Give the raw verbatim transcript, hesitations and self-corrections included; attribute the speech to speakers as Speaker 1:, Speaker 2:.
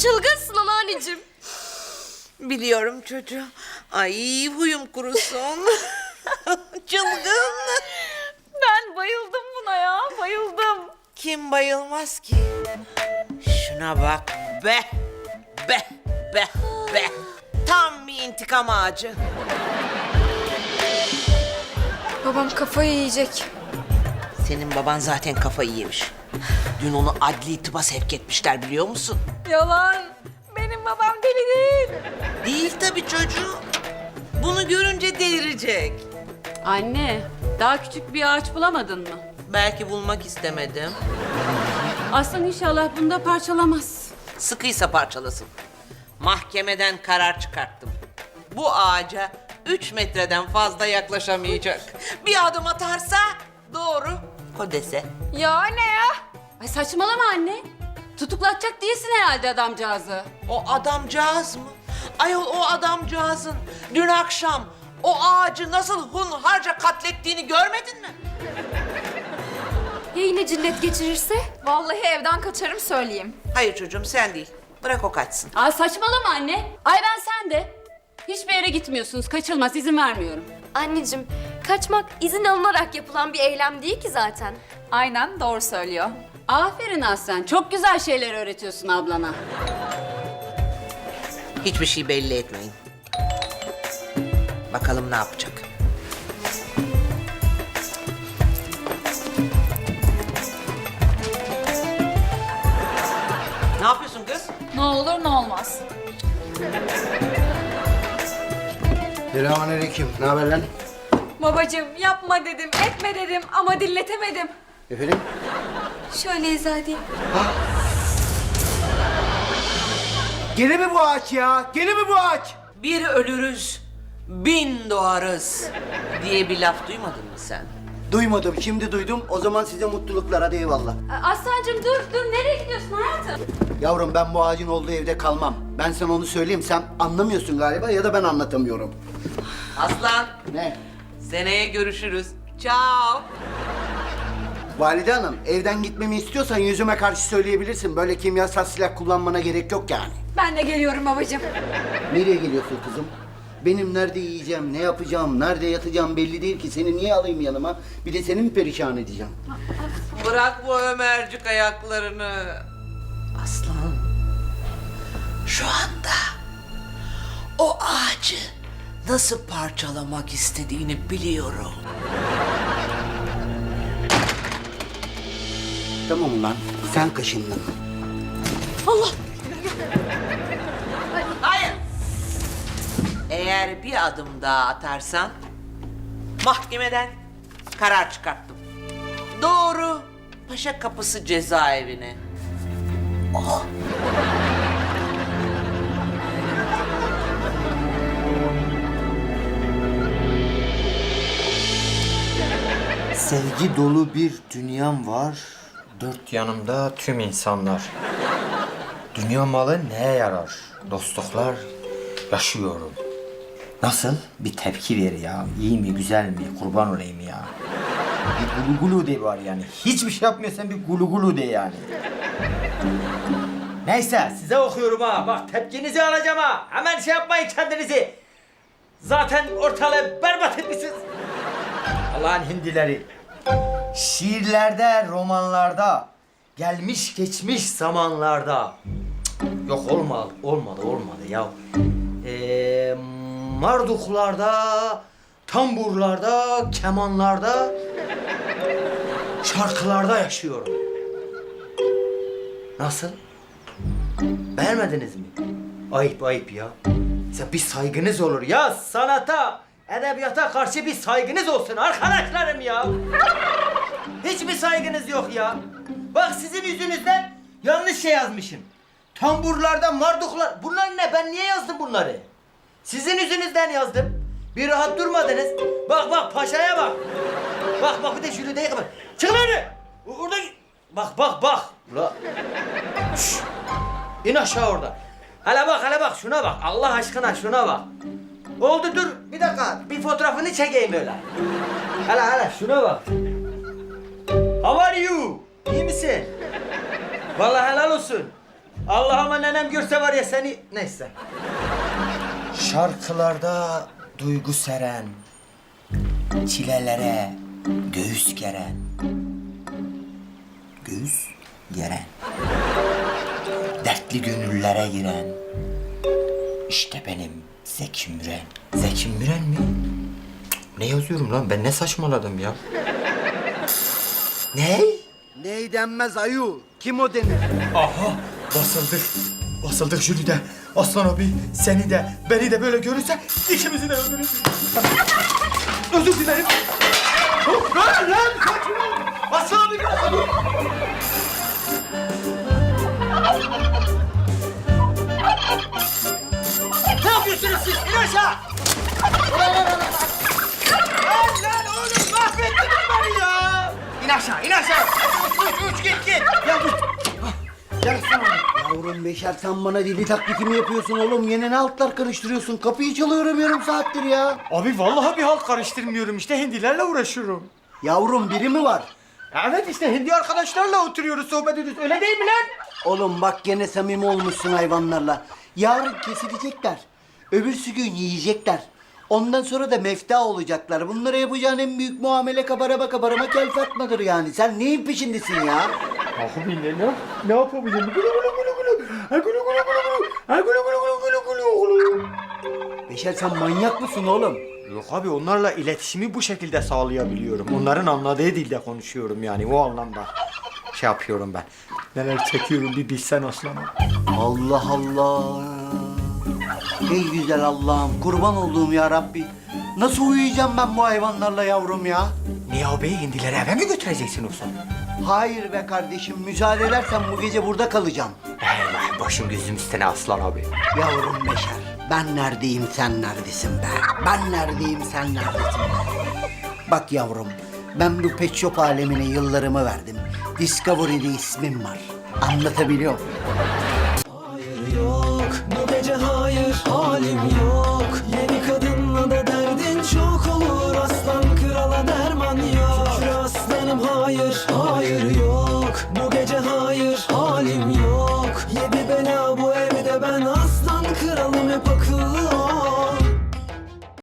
Speaker 1: çılgınsın anneanneciğim.
Speaker 2: Biliyorum çocuğum. Ay huyum kurusun. Çılgın.
Speaker 1: Ben bayıldım buna ya, bayıldım.
Speaker 2: Kim bayılmaz ki? Şuna bak be. Be, be, be. Tam bir intikam ağacı.
Speaker 1: Babam kafayı yiyecek.
Speaker 2: Senin baban zaten kafayı yemiş. Dün onu adli tıba sevk etmişler biliyor musun?
Speaker 1: Yalan. Benim babam deli değil.
Speaker 2: Değil tabii çocuğum. Bunu görünce delirecek.
Speaker 3: Anne, daha küçük bir ağaç bulamadın mı?
Speaker 2: Belki bulmak istemedim.
Speaker 3: Aslan inşallah bunu da parçalamaz.
Speaker 2: Sıkıysa parçalasın. Mahkemeden karar çıkarttım. Bu ağaca üç metreden fazla yaklaşamayacak. Bir adım atarsa doğru Kodese.
Speaker 1: Ya ne ya?
Speaker 3: Ay saçmalama anne. Tutuklatacak değilsin herhalde adamcağızı.
Speaker 2: O adamcağız mı? Ayol o adamcağızın dün akşam o ağacı nasıl hunharca katlettiğini görmedin mi?
Speaker 1: Ya yine cinnet geçirirse? Vallahi evden kaçarım söyleyeyim.
Speaker 2: Hayır çocuğum sen değil. Bırak o kaçsın.
Speaker 3: Aa saçmalama anne. Ay ben sen de. Hiçbir yere gitmiyorsunuz. Kaçılmaz. izin vermiyorum.
Speaker 1: Anneciğim, kaçmak izin alınarak yapılan bir eylem değil ki zaten. Aynen, doğru söylüyor.
Speaker 3: Aferin Aslan. Çok güzel şeyler öğretiyorsun ablana.
Speaker 2: Hiçbir şey belli etmeyin. Bakalım ne yapacak. Ne yapıyorsun kız?
Speaker 1: Ne olur ne olmaz.
Speaker 4: Selamünaleyküm. Ne haber lan?
Speaker 1: Babacığım yapma dedim, etme dedim ama dilletemedim.
Speaker 4: Efendim?
Speaker 1: Şöyle izah edeyim.
Speaker 4: Gene mi bu ağaç ya? Gene mi bu ağaç?
Speaker 2: Bir ölürüz, bin doğarız diye bir laf duymadın mı sen?
Speaker 4: Duymadım. Şimdi duydum. O zaman size mutluluklar. Hadi eyvallah.
Speaker 3: Aslancığım dur dur. Nereye gidiyorsun hayatım?
Speaker 4: Yavrum ben bu ağacın olduğu evde kalmam. Ben sana onu söyleyeyim. Sen anlamıyorsun galiba ya da ben anlatamıyorum.
Speaker 2: Aslan,
Speaker 4: Ne?
Speaker 2: seneye görüşürüz. Ciao.
Speaker 4: Valide Hanım, evden gitmemi istiyorsan yüzüme karşı söyleyebilirsin. Böyle kimyasal silah kullanmana gerek yok yani.
Speaker 1: Ben de geliyorum babacığım.
Speaker 4: Nereye geliyorsun kızım? Benim nerede yiyeceğim, ne yapacağım, nerede yatacağım belli değil ki. Seni niye alayım yanıma? Bir de seni mi perişan edeceğim?
Speaker 2: Bırak bu Ömercik ayaklarını. Aslan, şu anda o ağacı nasıl parçalamak istediğini biliyorum.
Speaker 4: Tamam ulan, sen kaşındın.
Speaker 2: Hayır. Eğer bir adım daha atarsan mahkemeden karar çıkarttım. Doğru Paşa Kapısı cezaevine. Oh.
Speaker 5: Sevgi dolu bir dünyam var. Dört yanımda tüm insanlar. Dünya malı neye yarar? Dostluklar yaşıyorum. Nasıl? Bir tepki ver ya. İyi mi, güzel mi? Kurban olayım ya. Bir gulu gulu de var yani. Hiçbir şey yapmıyorsan bir gulu gulu de yani. Neyse size okuyorum ha. Bak tepkinizi alacağım ha. Hemen şey yapmayın kendinizi. Zaten ortalığı berbat etmişsiniz. Allah'ın hindileri. Şiirlerde, romanlarda, gelmiş geçmiş zamanlarda. Cık, yok olmadı, olmadı, olmadı ya. Ee, marduklarda, tamburlarda, kemanlarda, şarkılarda yaşıyorum. Nasıl? Beğenmediniz mi? Ayıp ayıp ya. Ya bir saygınız olur ya sanata, edebiyata karşı bir saygınız olsun arkadaşlarım ya. Hiçbir saygınız yok ya. Bak sizin yüzünüzden yanlış şey yazmışım. Tamburlarda marduklar. Bunlar ne? Ben niye yazdım bunları? Sizin yüzünüzden yazdım. Bir rahat durmadınız. Bak bak paşaya bak. Bak bak bir de Jülide'ye bak. Çık lan öyle. Orada bak bak bak. Ula. Şşş. İn aşağı orada. Hele bak hele bak şuna bak. Allah aşkına şuna bak. Oldu dur. Bir dakika. Bir fotoğrafını çekeyim böyle. Hele hele şuna bak. How are you? İyi misin? Vallahi helal olsun. Allah'ıma nenem görse var ya seni... Neyse. Şarkılarda duygu seren, çilelere göğüs geren. Göğüs geren. Dertli gönüllere giren. İşte benim Zeki Müren. Zeki Müren mi? Cık, ne yazıyorum lan? Ben ne saçmaladım ya? Ne?
Speaker 4: Ney denmez ayu? Kim o denir?
Speaker 5: Aha basıldık. Basıldık Jülide. Aslan abi seni de beni de böyle görürse ikimizi de öldürür. Özür dilerim. Hop, lan lan sakin ol. Aslan abi biraz dur. Ne yapıyorsunuz siz? İn aşağı. Lan lan oğlum mahvettiniz beni ya. İn aşağı, in aşağı. Uç, uç, uç, git, git.
Speaker 4: Ya dur. Gel sana. Yavrum Beşer sen bana dili taklidi mi yapıyorsun oğlum? Yine ne altlar karıştırıyorsun? Kapıyı çalıyorum yarım saattir ya.
Speaker 5: Abi vallahi bir halt karıştırmıyorum işte hindilerle uğraşıyorum.
Speaker 4: Yavrum biri mi var?
Speaker 5: Evet işte hindi arkadaşlarla oturuyoruz sohbet ediyoruz öyle değil mi lan?
Speaker 4: Oğlum bak gene samimi olmuşsun hayvanlarla. Yarın kesilecekler. Öbürsü gün yiyecekler. Ondan sonra da mefta olacaklar. Bunlara yapacağın en büyük muamele kabarama kabarama kel fatmadır yani. Sen neyin peşindesin ya?
Speaker 5: Abi ne ne ne yapabilirim? Gulu gulu gulu gulu. Ha gulu gulu gulu gulu. Ha gulu gulu gulu gulu gulu gulu.
Speaker 4: Beşer sen manyak mısın oğlum?
Speaker 5: Yok abi onlarla iletişimi bu şekilde sağlayabiliyorum. Onların anladığı dilde konuşuyorum yani o anlamda. Şey yapıyorum ben. Neler çekiyorum bir bilsen aslanım.
Speaker 4: Allah Allah. Ey güzel Allah'ım kurban olduğum ya Rabbi. Nasıl uyuyacağım ben bu hayvanlarla yavrum ya?
Speaker 5: Niye abi hindileri eve mi götüreceksin olsun?
Speaker 4: Hayır be kardeşim müsaade edersen bu gece burada kalacağım.
Speaker 5: Eyvah başım gözüm üstüne aslan abi.
Speaker 4: Yavrum Beşer ben neredeyim sen neredesin be? Ben neredeyim sen neredesin be? Bak yavrum ben bu pet shop alemine yıllarımı verdim. Discovery'de ismim var. Anlatabiliyor muyum?